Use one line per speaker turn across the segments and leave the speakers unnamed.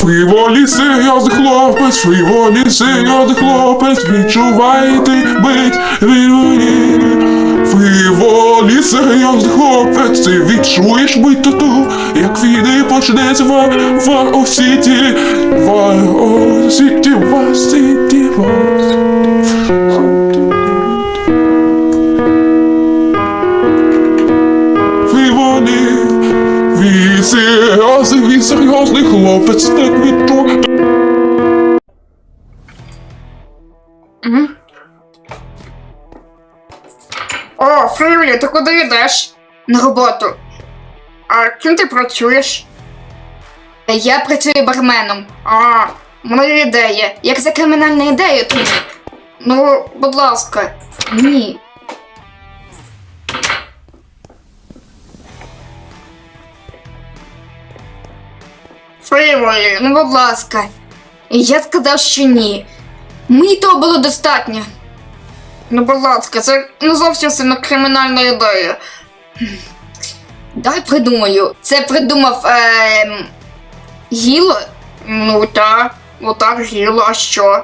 Фріволі серйозний хлопець, фріволі серйозний хлопець, відчувайте бить вільволі. Фріволі серйозний хлопець, ти відчуєш бить тату, як війни почнеться в Осіті, в Осіті, в Осіті, в Осіті. Фріволі, він серйозний хлопець, так відчує.
О, Фріволі, ти куди йдеш? На роботу. А ким ти працюєш? Я працюю барменом. А, в мене є ідея. Як за кримінальна ідея, то... Ну, будь ласка. Ні. Фріволі, ну будь ласка. Я сказав, що ні. Мені того було достатньо. Ну, будь ласка, це не зовсім сильно кримінальна ідея. Дай придумаю. Це придумав Гіло? Ну так, Гіло, а що?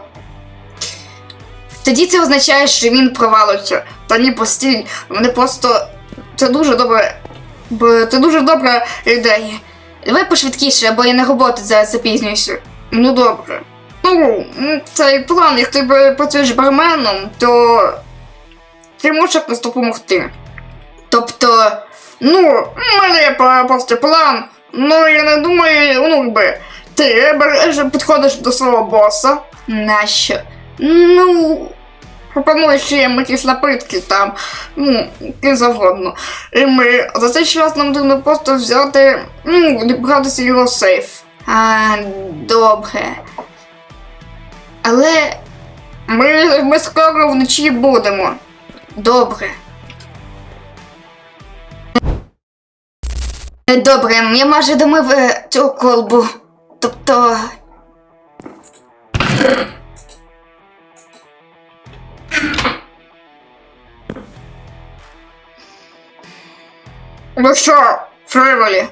Тоді це означає, що він провалився. Та ні, постій, мене просто... Це дуже добре. Це дуже добра ідея. Давай пошвидкіше, або я на роботу зараз запізнююся. Ну добре. Ну, цей план, як ти працюєш барменом, то ти можеш якось допомогти. Тобто, ну, в мене є просто план, ну я не думаю, ну якби, ти підходиш до свого боса. Нащо? Ну, пропонуєш їм якісь напитки там, ну, які завгодно. І ми за цей час нам потрібно просто взяти, ну, дібратися його сейф. Добре. Але ми скоро вночі будемо. Добре. Добре, я майже домив цю колбу. Тобто... Ну що, Фріволі?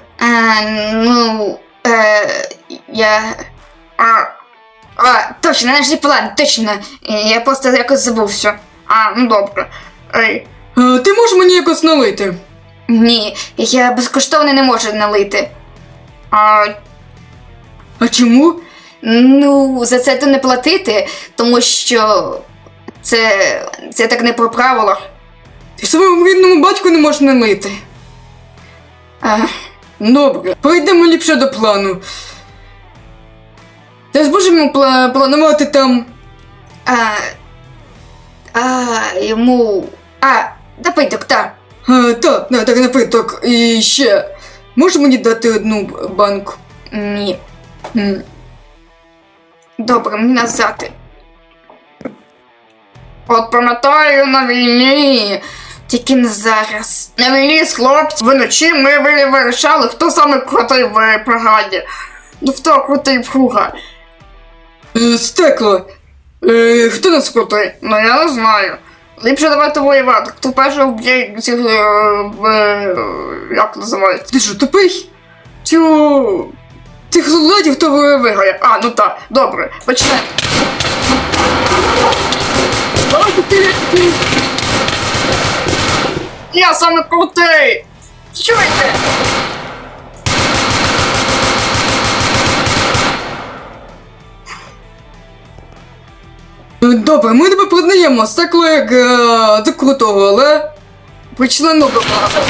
Точно, наш план, точно. Я просто якось забувся. Ну добре. Ей.
Ти можеш мені якось налити?
Ні, я безкоштовно не можу налити.
А чому?
Ну, за це то не платити, тому що це так не по правилах.
Ти своєму рідному батьку не можеш налити. Добре, перейдемо ліпше до плану. Ти зможемо планувати там...
Йому... напиток, так.
Так, напиток. І ще. Можеш мені дати одну банку?
Ні. Добре, мені назад. От пам'ятаю на війні. Тільки не зараз. На війні з хлопців вночі ми вирішали, хто саме крутий в бригаді. Ну хто крутий в Хуга?
Стекло. Хто нас крутий?
Ну я не знаю. Ліпше давайте воювати. Хто перший вб'є цих... як називається?
Ти що, тупий? Тих солдатів, хто виграє.
Ну так, добре, почнемо. Я саме крутий! Чуєте?
Добре, ми тебе продаємо стекло як до крутого, але почнемо до багато.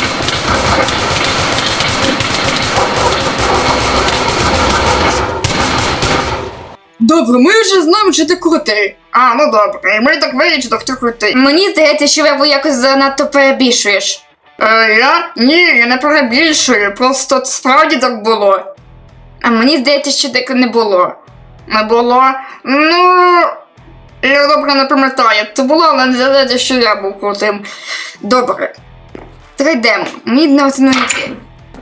Добре, ми вже знаємо, що ти крутий.
Ну добре, і ми так вирішили, хто крутий. Мені здається, що ви якось занадто перебільшуєш. Я? Ні, я не перебільшую, просто справді так було. Мені здається, що так не було. Не було? Ну... Я добре не пам'ятаю, це було, але не здається, що я був крутим. Добре. Трейдемо. Мені не оцінується.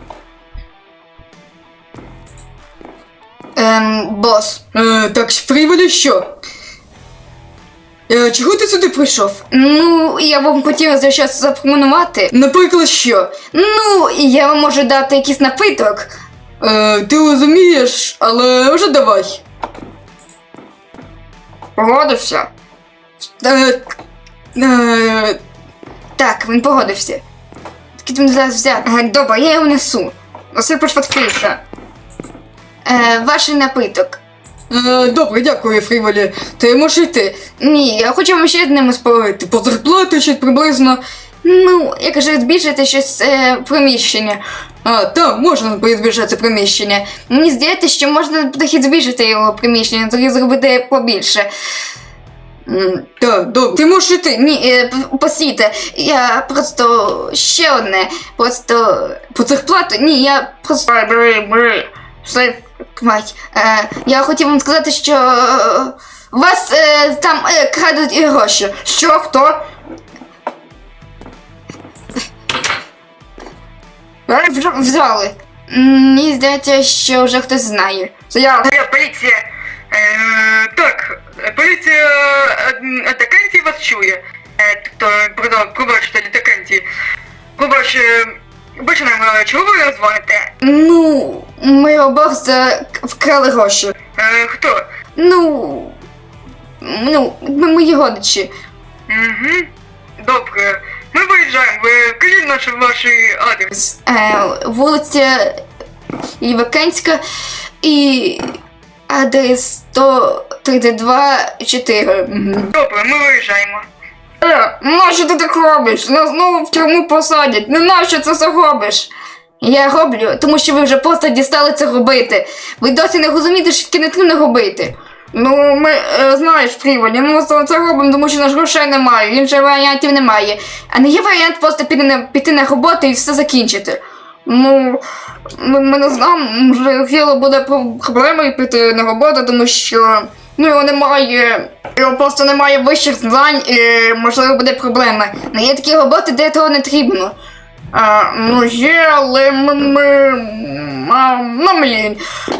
Бос.
Так, Фріволі, що? Чого ти сюди прийшов?
Ну, я вам хотіла за щось запропонувати.
Наприклад, що?
Ну, я вам можу дати якийсь напиток.
Ти розумієш, але вже давай.
Погодився? Так, він погодився. Тільки він зараз взяти. Добре, я його несу. Носи пошвидкіше. Ваш напиток.
Добре, дякую, Фріволі. Ти можеш йти.
Ні, я хочу вам ще одним спорити.
По зарплаті щось приблизно.
Ну, я кажу, збільшити щось приміщення.
Там можна збільшити приміщення.
Мені здається, що можна трохи збільшити його приміщення, тоді зробити побільше.
Так, добре. Ти можеш йти.
Ні, постійте, я просто ще одне. Просто
По зарплаті?
ні, я просто. Все, мать. Я хотів вам сказати, що вас там крадуть і гроші. Що? Хто? Взяли. Мені здається, що вже хтось знає. Це я.
Поліція. Так, поліція атакантів вас чує. Тобто, пробачте, атакантів. Починаємо, чого ви нас дзвоните?
Ну, ми обох вкрали гроші.
Хто?
Ну, ми мої родичі.
Угу. Добре. Ми виїжджаємо. Ви кажіть ваш адрес.
Вулиця Лівакенська і адрес 132 4.
Добре, ми виїжджаємо.
Нащо ти так робиш? Нас знову в тюрму посадять. Не нащо це все робиш? Я роблю, тому що ви вже просто дістали це робити. Ви досі не розумієте, що таке не треба робити. Ну, ми, знаєш, Фріволі, ми це робимо, тому що наш грошей немає, інших варіантів немає. А не є варіант просто піти на роботу і все закінчити. Ну, ми не знаємо, може, Філо буде проблемою піти на роботу, тому що його просто немає вищих знань і, можливо, буде проблема. Не є такі роботи, де того не потрібно. Ну є, але блін.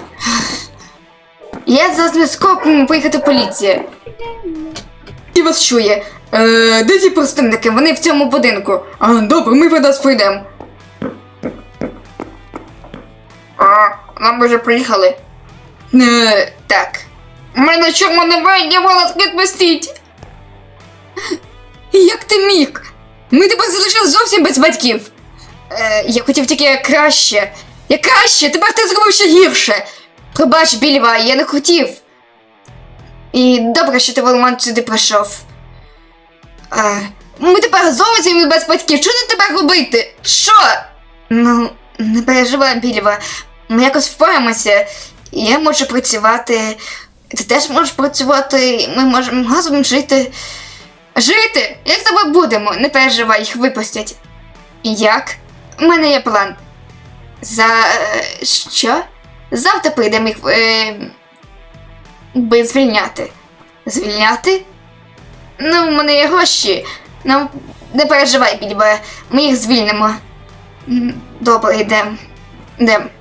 Я за зв'язком поїхати поліція. І вас чує. Де ті представники? Вони в цьому будинку.
Добре, ми вас прийдемо.
Нам вже приїхали. Так. Ми на чому не вийдемо, нас відпустіть. Як ти міг? Ми тебе залишили зовсім без батьків. Я хотів тільки краще. Я краще, тепер ти зробив ще гірше. Пробач, Більва, я не хотів. І добре, що ти Воломан сюди прийшов. Ми тепер зовсім без батьків. Що нам тепер робити? Що? Ну, не переживай, Більва. Ми якось впораємося. Я можу працювати. Ти теж можеш працювати. Ми можемо разом жити. Жити? Як з тобою будемо? Не переживай, їх випустять. Як? У мене є план. Що? Завтра прийдемо їх звільняти. Звільняти? Ну, у мене є гроші. Ну, не переживай, Більбе. Ми їх звільнимо. Добре, йдемо.